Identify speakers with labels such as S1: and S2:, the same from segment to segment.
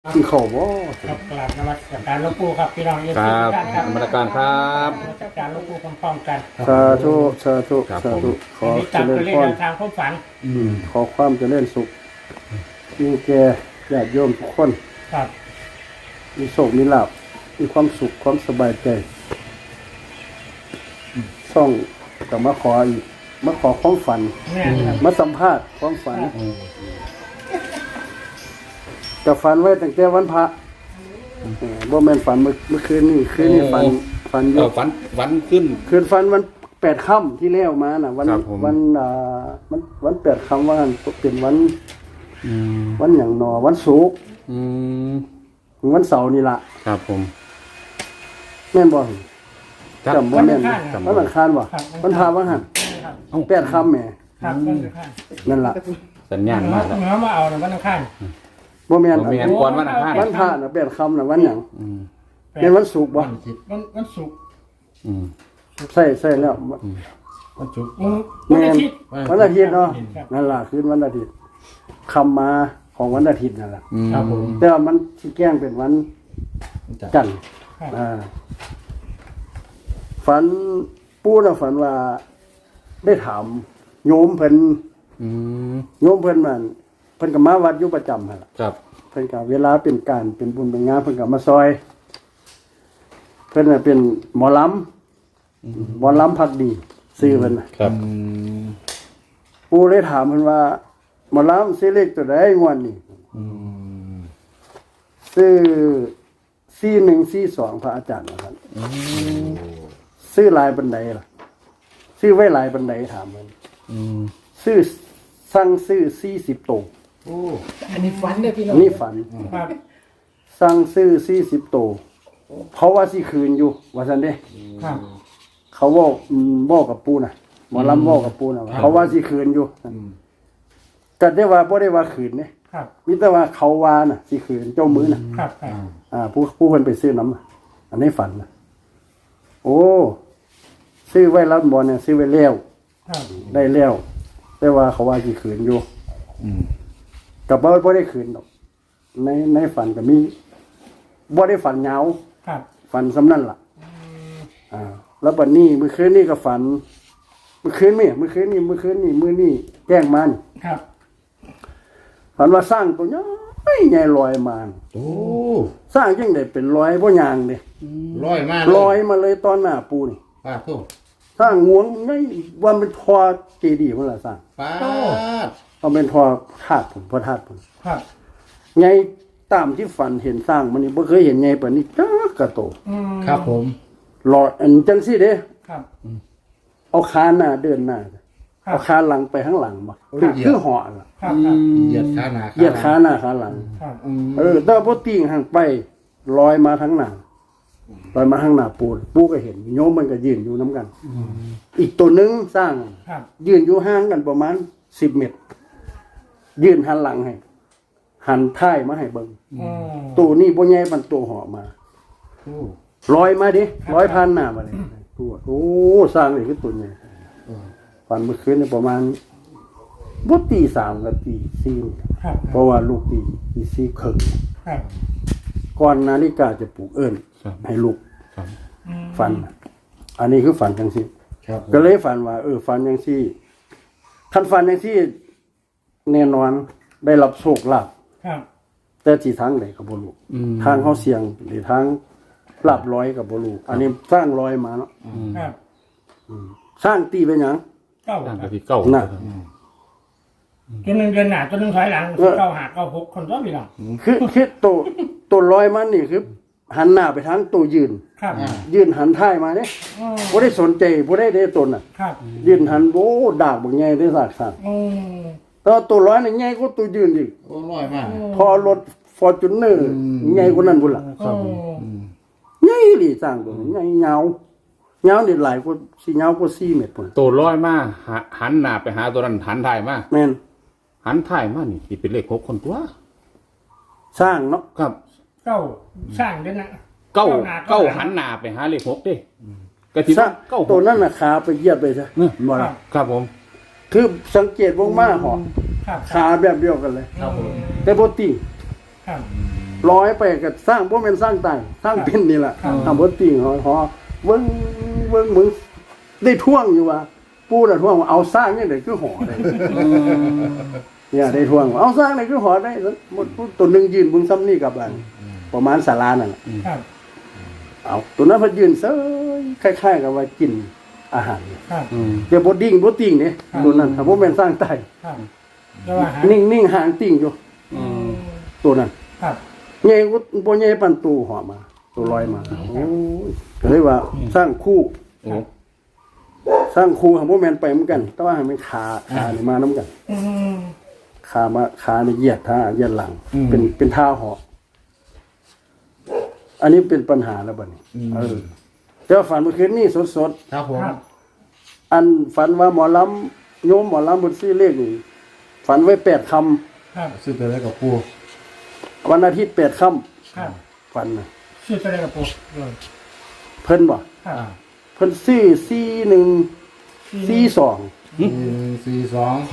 S1: กินข้าวบ่
S2: ครับกราบนมัสการหลวงปู่ครับพี่น้องเอฟ
S3: ค
S2: ซี
S3: รับ
S2: ทุกท่านครับ
S3: นมัสการครับ
S2: นมัสการหลวงปู่พร้อมๆกัน
S1: สาธุสาธุ
S3: ครับ
S1: สาธุขอ
S2: อันนี้
S1: เจ
S2: ตาม
S1: ริ
S2: ตัว
S1: ญ
S2: เลข
S1: พร
S2: แนวทางความฝัน
S1: ขอความเจริญสุขมีแก่ญาติโยมทุกคน
S2: ครับ
S1: มีโชคมีลาภมีความสุขความสบายใจส่องกับมาขออีกมาขอความฝัน
S2: แม่นครับ
S1: มาสัมภาษณ์ความฝันจะฝันไว้ตั้งแต่วันพระบ่แม่นฝันเมื่อคืนนี่ฝันอยู่
S3: ฝันขึ้น
S1: คืนฝันวัน8 ค่ำที่แล้วมาน่ะวัน
S3: ครับผม
S1: วัน8 ค่ำว่าเป็นวันหยังหนอวันศุกร์
S3: อืม
S1: วันเสาร์นี่ล่ะ
S3: ครับผม
S1: แม่นบ่
S3: ครับ
S1: จำบ่แม่นวันอังคารบ่วันพระวันหัน
S2: ครับ
S1: 8 ค่ำแหม
S2: ครับต้นข้าง
S1: นั่นล่ะ
S3: สัญญาณ
S2: เนื้
S3: มา
S2: อก
S3: แล้ว
S2: เนื้อมาเอาในวันอังคาร
S1: บ่แม่น
S3: บ่แม่น ก่อนวันอังคาร
S1: วันพระน่ะ8 ค่ำน่ะวันหยัง
S3: อืม
S1: เป็นวันศุกร์บ่
S2: วันศุกร์
S3: อืม
S1: ใช่แล้ว
S4: วันศุกร์
S2: วันอาทิตย์
S1: วันอาทิตย์เนาะนั่นล่ะคืนวันอาทิตย์ค่ำมาของวันอาทิตย์นั่นล่ะ
S4: ครับผม
S1: แต่ว่ามันสิแกล้งเป็นวันจันทร์
S2: ครับ
S1: ฝันปู่น่ะฝันว่าได้ถามโยมเพิ่น
S3: อืม
S1: โยมเพิ่นมันเพิ่นก็มาวัดอยู่ประจำหั่นล่ะ
S3: ครับ
S1: เพิ่นก็เวลาเป็นการเป็นบุญเป็นงานเพิ่นก็มาซอย เพิ่นน่ะเป็นหมอลำพักดีชื่อเพิ่นน่ะ
S3: ครับ
S1: ปู่เลยถามเพิ่นว่าหมอลำสิเลขตัวใดงวดนี้ ซื้อ4142พระอาจารย์นะครับซื้อหลายบันไดล่ะซื้อไว้หลายบันไดถามมัน
S3: อืม
S1: สั่งซื้อ40ตัว
S4: โอ้อันนี้ฝันเลยพี่น้
S1: อั
S4: อง
S1: นนี้ฝัน
S2: ครับ
S1: สั่งซื้อ40ตัวเขาว่าสิคืนอยู่ว่าซั่นเด้
S2: ครับ
S1: เขาบอกกับปู่น่ะหมอลำบอกกับปู่น่ะว่าเขาว่าสิคืนอยู่ก็ได้ว่าบ่ได้ว่าคืนเด้
S2: ครับ
S1: มีแต่ว่าเขาว่าน่ะสิคืนเจ้ามือน่ะ
S2: ครับครับ
S1: ผู้เพิ่นไปซื้อน้ำน่ะอันนี้ฝันน่ะโอ้ซื้อไว้รับบอลเนี่ยซื้อไว้แล้ว
S2: ครับ
S1: ได้แล้วแต่ว่าเขาว่าสิคืนอยู่กับบ่ได้คืนดอกในฝันก็มีบ่ได้ฝันยาว
S2: ครับ
S1: ฝันสำนั่นล่ะแล้วบัดนี้มื้อคืนนี้ก็ฝันมื้อคืนนี่แจ้งมานี่
S2: ครับ
S1: ฝันว่าสร้างตัวใหญ่ลอยมา
S4: โอ้
S1: สร้างจังได๋เป็นร้อยบ่ยางเด้
S4: ร้อยมาก
S1: ลอยมาเลยตอนหน้าปูนี่
S4: ป้าโทษ
S1: สร้างงวงไงว่าเป็นพอเจดีย์พุ่นล่ะสร้าง
S4: ป้า
S1: เอาเป็นพอธาตุผมพอธาตุผม
S2: ครับ
S1: ไงตามที่ฝันเห็นสร้างมันนี่บ่เคยเห็นไงปานนี้จักกะโต
S4: ครับผม
S1: หลอดอันจังซี่เด้
S2: ครับ
S1: เอาขาหน้าเดินหน้า
S2: ครับ
S1: เอาขาหลังไปข้างหลังบ่คือเหาะล่ะ
S2: ครับครับ
S4: เหยียดขาหนา
S1: เหยียดขาหน้าขาหลัง
S2: ครับ
S1: แต่บ่ติ่งห่างไปลอยมาทั้งหน้าลอยมาข้างหน้าปูก็เห็นโยมมันก็ยืนอยู่นํกัน อีกตัวหนึงสร้าง
S2: ครับ
S1: ยืนอยู่ห่างกันประมาณ10 เมตร ยืนหันหลังให้ หันท้ายมาให้เบิ่ง ตัวนี้บ่ใหญ่มันตัวเหาะมา
S4: โอ้
S1: ลอยมาดิลอยผ่านหน้ามาเลยตัวโอ้สร้างนี่คือตัวใหญ่ฝันเมื่อคืนนี่ประมาณบ่ตี 3กับตี 4
S2: ครับ
S1: เพราะว่าลูกตี 4 ครึ่ง
S2: ครับ
S1: ก่อนนาฬิกาจะปลุกเอิ้นให้ลูก
S3: ครับ
S1: ฝัน อันนี้คือฝันจังซี่
S4: ครับ
S1: ก็เลยฝันว่าฝันจังซี่คันฝันจังซี่แน่นอนได้รับโชคลาภ
S2: ครับ
S1: แต่ที่ทางใดก็บ่รู้ทางเฮาเสี่ยงหรือทางลาบร้อยก็บ่รู้อันนี้สร้างร้อยมาเนาะ
S2: ครับ
S1: สร้างตีเป็นหยัง
S2: เก้า
S3: ตั้ง
S2: ค
S3: แต่
S2: รับ
S3: ที่เก้า
S1: น่ะ
S2: ตัวหนึ่งเดือนหน้าตัวหนึ่งถอยหลังเก้าหาเก้าหกคนตัวพี่น้อง
S1: คือตัวร้อยมันนี่คือหันหน้าไปทางตัวยืน
S2: ครับ
S1: ยืนหันท้ายมาเด้บ่ได้สนใจบ่ได้เด้ตนน่ะ
S2: ครับ
S1: ยืนหันโอ้ดากบักใหญ่ได้ซากซั่นแต่ว่าตัวร้อยนี่ใหญ่กว่าตัวยืนอีก
S4: โอ้ร้อยมาก
S1: พอรถ Fortuner ใหญ่กว่านั้นพุ่นล่ะ
S2: ครับ
S1: ใหญ่อีหลีสร้างตัวนี้ใหญ่ยาวนี่หลายกว่าสิยาวกว่า4 เมตรพุ่น
S3: ตัวร้อยมาหันหน้าไปหาตัวนั้นหันถ่ายมา
S1: แม่น
S3: หันถ่ายมานี่สิเป็นเลข6คนตัว
S1: สร้างเนาะ
S3: ครับ
S2: เก้าสร้างเดือนหน้า
S3: เก้าหันหน้าไปหาเลข6เด้ก็สิ
S1: สร้าง
S3: เก้า
S1: ตัวนั้นน่ะขาไปเหยียบไปซะบ่ล่ะ
S3: ครับผม
S1: คือสังเกตวงมาเหาะ
S2: ครับ
S1: ขาแบบเดียวกันเลย
S4: ครับผม
S1: แต่บ่ติ
S2: ครับ
S1: ร้อยไปก็สร้างบ่แม่นสร้างตายสร้างเป็นนี่ล่ะทำบ่ติ่งหอเบิ่งมึงได้ท่วงอยู่ว่าปู่น่ะท่วงว่าเอาสร้างนี่ได้คือหอได้เนี่ยได้ท่วงว่าเอาสร้างนี่คือหอได้หมดตัวนึงยืนบุญซ้ำนี่กับอันประมาณศาลานั่นล่ะ
S2: ครับ
S1: เอาตัวนั้นเพิ่นยืนเซ้ยคล้ายๆกับว่ากินอาหาร
S2: ครับ
S1: เดี๋ยวบ่ดิ่งบ่ติ่งนี่ตัวนั้นถ้าบ่แม่นสร้างตาย
S2: ครับแล้วว่าหา
S1: นิ่งๆหางติ่งอยู่ตัวนั้น
S2: ครับ
S1: ใหญ่ก็บ่ใหญ่ปานตู้หอมาตัวลอยมาโอ้ยก็เลยว่าสร้างคู่
S3: โอ้
S1: สร้างคู่ของบ่แม่นไปเหมือนกัน แต่ว่าให้มันขานี่มานํกัน
S2: อืม
S1: ขานี่เหยียดท่าเหยียดหลัง เป็นท่าเหาะอันนี้เป็นปัญหาแล้วบัดนี้แต่ว่าฝันเมื่อคืนนี้สด
S4: ครับผม
S2: ครับ
S1: ๆอันฝันว่าหมอลำโยมหมอลำบนซี่เลขนี่ฝันไว้8ค่ำ
S2: ครับ
S4: ซื้อไปแล้วกับปู
S1: วันอาทิตย์8ค่ำ
S2: ครับ
S1: ฝันน่ะ
S2: ชื่ออะไรกับปู่เลย
S1: เพิ่นบ่
S2: ครับ
S1: เพิ่นซื้อ41 42
S4: 442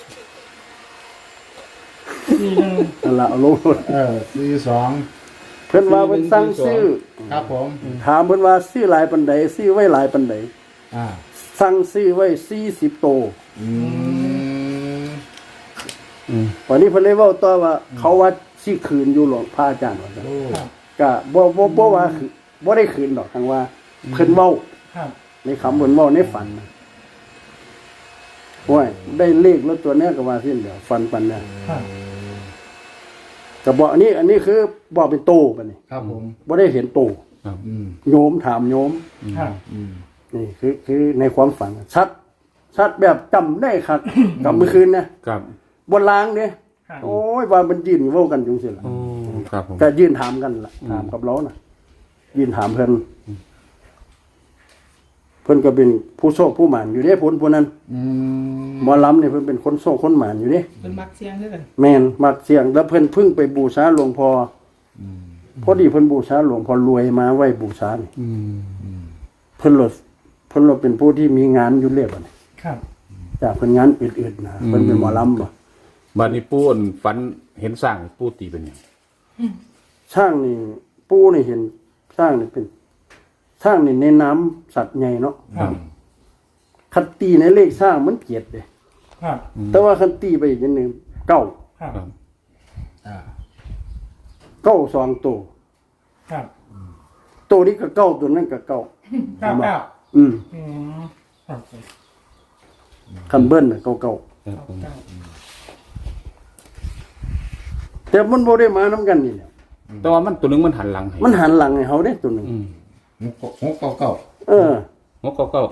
S2: 41
S1: นั่นล่ะเอาลง
S4: 42
S1: เพิ่นว่าเพิ่นสั่งซื้อ
S4: ครับผม
S1: ถามเพิ่นว่าซื้อหลายปานใดซื้อไว้หลายปานใด
S4: อ่า
S1: สั่งซื้อไว้40โต
S4: อืม
S1: วันนี้เพิ่นเลยเว้าต่อว่า เขาว่าสิคืนอยู่หรอกพระอาจารย์ว่าซั่น
S4: โอ้
S1: ก็บ่ว่าคือบ่ได้คืนดอกทางว่าเพิ่นเว้า
S2: ครับ
S1: ในคำเพิ่นเว้าในฝันน่ะโอ้ยได้เลขแล้วตัวเนี้ยก็ว่าสิ้นเดียวฝันปันเนี่ย
S2: ครับ
S1: ก็บอกอันนี้คือบอกเป็นโตบัดนี้
S4: ครับผม
S1: บ่ได้เห็นโต
S4: อืม
S1: โยมถามโยม
S2: ครับ
S4: อืม
S1: นี่คือในความฝันชัดแบบจำได้ครับ กับเมื่อคืนนะครับ บนล้างเนี่ย
S2: ครับ
S1: โอ้ยว่ามันยืนเว้ากันจุงสิล่ะ
S3: โอ้ครับผม
S1: ก็ยืนถามกันล่ะถามกับเราน่ะยืนถามเพิ่นเพิ่นก็เป็นผู้โชคผู้หมานอยู่เด้ผลผู้นั้น
S4: อืม
S1: หมอลำเนี่ยเพิ่นเป็นคนโชคคนหมานอยู่เด้
S2: เป็นมักเสียงด้วยกัน
S1: แม่นมักเสียงแล้วเพิ่นเพึ่งไปบูชาหลวงพ่อพอดีเพิ่นบูชาหลวงพ่อรวยมาไว้บูชานี่
S3: อืม
S1: เพิ่นลดเป็นผู้ที่มีงานอยู่เรียบอ่ะนี่
S2: ครับ
S1: จากเพิ่นงานอื่นๆนะเพิ่นเป็นหมอลำบ่
S3: บัดนี้ปู่อั่นฝันเห็นสร้างปู่ตีเป็นหยัง
S1: ช่างนี่ปู่นี่เห็นช่างนี่เป็นช่างนี่ในน้ำสัตว์ใหญ่เนาะ
S2: ครับ
S1: คันตีในเลขช่างมันเกียดเด้
S2: ครับ
S1: แต่ว่าคันตีไปอีกอย่างหนึงเก้า
S2: ครับ
S3: ครับ
S4: อ่า
S1: เก้าสองตัว
S2: ครับ
S1: ตัวนี้ก็เก้าตัวนั้นก็เก้า
S2: 99
S1: อืม
S2: อืมครับ
S1: คันเบิ้ลน่ะเก้า
S2: 99
S1: แต่มันบ่ได้มานํกันนี่แหละ
S3: แต่ว่ามันตัวหนึงมันหันหลังให้
S1: มันหันหลังให้เฮาเด้ตัวหนึง
S3: อืม
S4: 699
S1: เออ
S3: งกเก้า
S4: บอก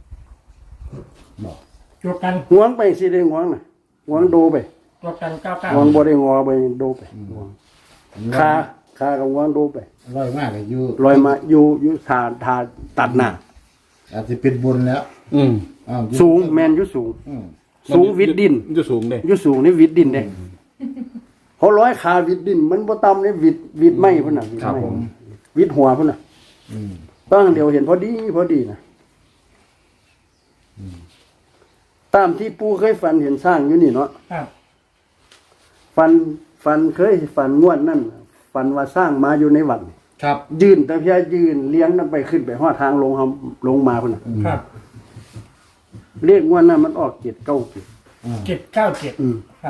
S2: จวบกัน
S1: หวงไปสิได้หวงน่ะหวงโดไป
S2: จวบกัน
S1: หวง
S2: 99
S1: บ่ได้งอไปโดไปหวงขากับหวงโดไป
S4: ร้อยมากเลยอยู่
S1: ลอยมาอยู่ทาตัดหน้า
S4: อาจจะเป็นบุญแล้ว
S3: อืม
S4: อ้าวอยู่
S1: สูงแม่นอยู่สูง
S4: อืม
S1: สูงวิดดิน
S3: อยู่สูงเด้
S1: อยู่สูงนี่วิดดินเด้เขาร้อยขาวิดดิน มันบ่ต่ำนี่วิดไม้พุ่นน่ะวิด
S3: ครับ
S1: ไม้
S3: ผม
S1: วิดหัวพุ่นน่ะ
S4: อืม
S1: ตั้งเดียวเห็นพอดีนะตามที่ปู่เคยฝันเห็นสร้างอยู่นี่เนาะ
S2: ครับ
S1: ฝันเคยฝันงวดนั่นฝันว่าสร้างมาอยู่ในวัดนี่
S4: ครับ
S1: ยืนแต่เพียยืนเลี้ยงนั่นไปขึ้นไปฮอดทางลงมาพุ่นน่ะ
S2: ครับ
S1: เรียกงวดนั้นมันออก7 9
S2: 797
S1: อืม
S2: ครับ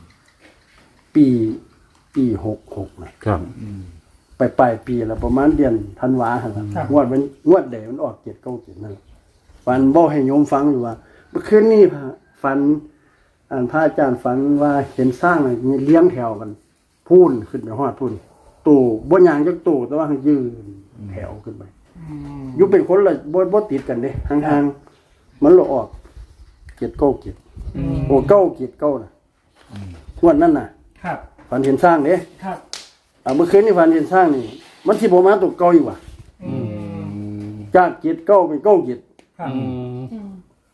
S1: ปี66นะครับ ไปปลายปีแล้วประมาณเดือนธันวาหั่นล่ะงวดใดมันออก7 9นั่นล่ะฝันบ่ให้โยมฟังอยู่ว่าเมื่อคืนนี้ฝันพระอาจารย์ฝันว่าเห็นสร้างน่ะมีเลี้ยงแถวกันพูนขึ้นไปฮอดพูนตู่บ่ย่างจักตู่แต่ว่าให้ยืนแถวขึ้นไปอยู่เป็นคนละบ่ติดกันเด้ห่างๆมันละออก7 9 โอ้9 น่ะงวดนั้นน่ะ
S2: ครับ
S1: ฝันเห็นสร้างเด้
S2: ครับ
S1: เมื่อคืนนี่ฝันเห็นสร้างนี่มันสิบ่มาตกเก่าอีกว่ะ
S2: อืม
S1: จาก7 9เป็น9
S2: ครับ
S3: อืม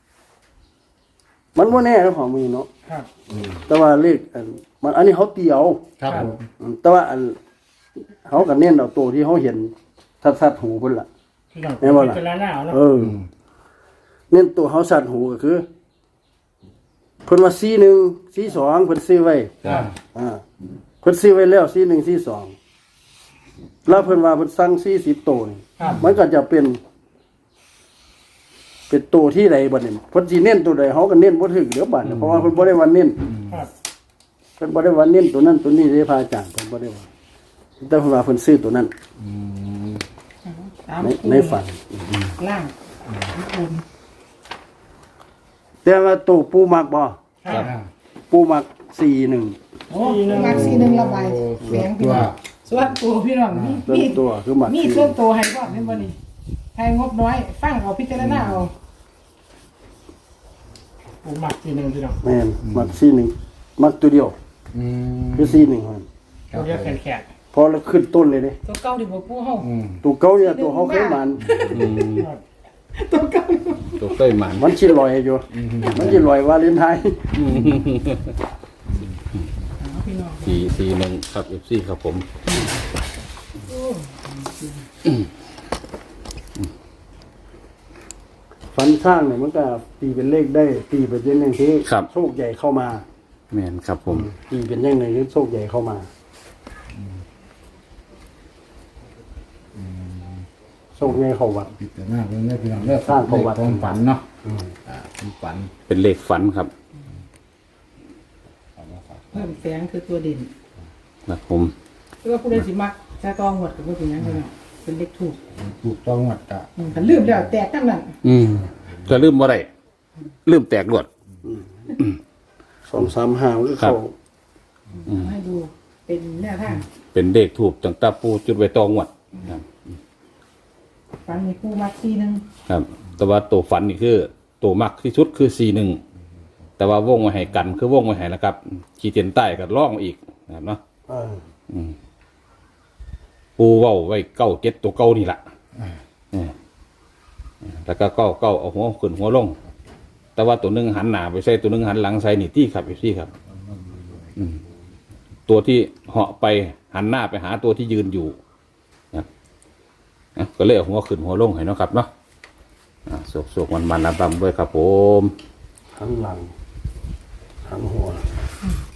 S1: มันบ่แน่แล้วของมือเนาะ
S2: ครับ
S1: แต่ว่าเลขมันอันนี้เขาตีเอา
S4: ครับผม
S1: แต่ว่าเขาก็เน้นเอาตัวที่เขาเห็นสัดหูเพิ่นล่ะ
S2: ที่เรา
S1: แม่นบ่ล่ะ
S2: พิจารณาเอาเนาะ
S1: เออเน้นตัวเขาสัดหูก็คือเพิ่นว่า41 42เพิ่นซื้อไว้
S3: ครับ
S1: เพิ่นซื้อไว้แล้ว41 42 แล้วเพิ่นว่าเพิ่นสั่ง40ตัวนี่
S2: ครับ
S1: มันก็จะเป็นตัวที่ใดบัดนี้เพิ่นสิเน้นตัวใดเฮาก็เน้นบ่ถึกเดี๋ยวบัดนี้เพราะว่าเพิ่นบ่ได้ว่าเน้น
S2: ครับ
S1: เพิ่นบ่ได้ว่าเน้นตัวนั้นตัวนี้เด้พระอาจารย์เพิ่นบ่ได้ว่าแต่เพิ่นว่าเพิ่นซื้อตัวนั้น
S5: ตาม
S1: ในฝัน
S5: ล่างบุญ
S1: แต่ว่าตัวปูมักบ่
S2: ครับ
S1: ปูมัก41
S5: โอ้มักสีหนึ่งระบายแสงพี่น้องส่วนตัวพี่น้องมี
S1: ส่วนตัวคือมัก
S5: มีส่วนตัวให้บ่เป็นบ่นี่ให้งบน้อยฟังเอาพิจารณาเอา
S2: ปูหมักทีหนึ่งพี่น้อง
S1: แม่นมัก41มักตัวเดียว
S4: อืม
S1: คือ41มัน
S2: ตัวเรียกแขก
S1: พอแล้วขึ้นต้นเลยเด้
S5: ตัวเก่าที่บ่ปูเฮา
S1: ตัวเก่าเนี่ยตัวเฮาเคยมัน
S5: ตัวเก่า
S3: ตัวเต้ยหมัน
S1: มันสิลอยอยู่มันสิลอยวาเลนไทน์
S5: พี่น้อง
S3: 441ครับ FC ครับผม
S1: ฟันข้างเนี่ยมันก็ตีเป็นเลขได้ตีเป็นอย่างที่
S3: ครับ
S1: โชคใหญ่เข้ามา
S3: แม่นครับผม
S1: ตีเป็นอย่างหนึ่งที่โชคใหญ่เข้ามาโชคใหญ่เข้าวัด
S4: พิจารณาเรื่องนี้พี่น้องเรื่อง
S1: สร้างประวัติ
S4: ความฝันเนาะความฝัน
S3: เป็นเลขฝันครับ
S5: เพิ่มแสงคือตัวเด่น
S3: ครับผม
S5: คือว่าผู้ใดสิมักจะต้องหมดกับผู้เป็นหยังพี่น้องเป็นเลขถูก
S4: ถูกต้องหมดกะ
S5: คันลืมแล้วแตกทั้งนั้น
S3: จะลืมบ่ได้ลืมแตกรวด
S1: 235ก็
S3: ครั
S1: เข้า
S3: บ
S5: ให้ดูเป็นแนวทาง
S3: เป็นเลขถูกตั้งแต่ปูจุดไว้ตองวดครับ
S5: ฟันมีปูมักสีหนึ่ง
S3: ครับ แต่ว่าตัวฝันนี่คือตัวมักที่สุดคือ41แต่ว่าวงไว้ให้กันคือวงไว้ให้นะครับขีดเส้นใต้ก็ล่องอีกนะครับเนาะ
S1: เออ
S3: ปูเว้าไว้97ตัวเก่านี่ล่ะแล้วก็เก้าเอาหัวขึ้นหัวลง แต่ว่าตัวหนึงหันหน้าไปใส่ตัวหนึงหันหลังใส่นี่ที่ครับพี่ครับ ตัวที่เหาะไปหันหน้าไปหาตัวที่ยืนอยู่นะก็เลยเอาหัวขึ้นหัวลงให้เนาะครับเนาะสวกมันลำด้วยครับผม
S1: หันหลังหันหัว